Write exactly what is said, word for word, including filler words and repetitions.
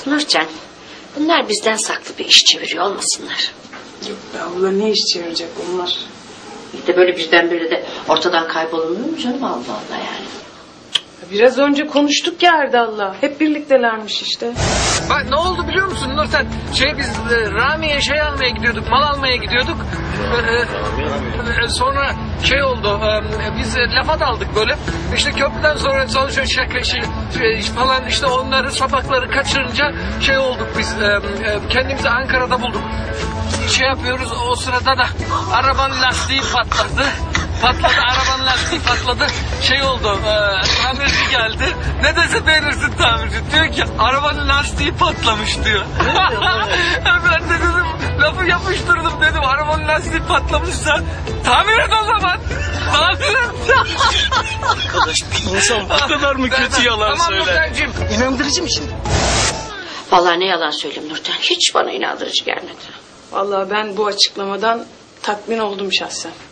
Nurcan, bunlar bizden saklı bir iş çeviriyor olmasınlar. Yok be abla, ne iş çevirecek bunlar? Bir de böyle birdenbire de ortadan kaybolunur mu canım, Allah Allah yani. Biraz önce konuştuk ya Erdal'la. Hep birliktelermiş işte. Bak ne oldu biliyor musun Nurten? Şey biz e, Rami'ye şey almaya gidiyorduk, mal almaya gidiyorduk. E, e, sonra şey oldu, e, biz e, lafa daldık böyle. İşte köprüden sonra sonuçta şaka şey, şey falan işte onları sapakları kaçırınca şey olduk biz. E, e, kendimizi Ankara'da bulduk. Şey yapıyoruz, o sırada da arabanın lastiği patladı. Patladı, arabanın lastiği patladı. Şey oldu, e, tamirci geldi. Ne dese beğenirsin tamirci. Diyor ki arabanın lastiği patlamış diyor. Ben de dedim, lafı yapıştırdım dedim. Arabanın lastiği patlamışsa tamir et o zaman. Tamir et. Arkadaş bir insan bu kadar mı kötü yalan tamam, söyler? Nurten'cim. İnandırıcı mı şimdi? Vallahi ne yalan söyleyeyim Nurten, hiç bana inandırıcı gelmedi. Vallahi ben bu açıklamadan tatmin oldum şahsen.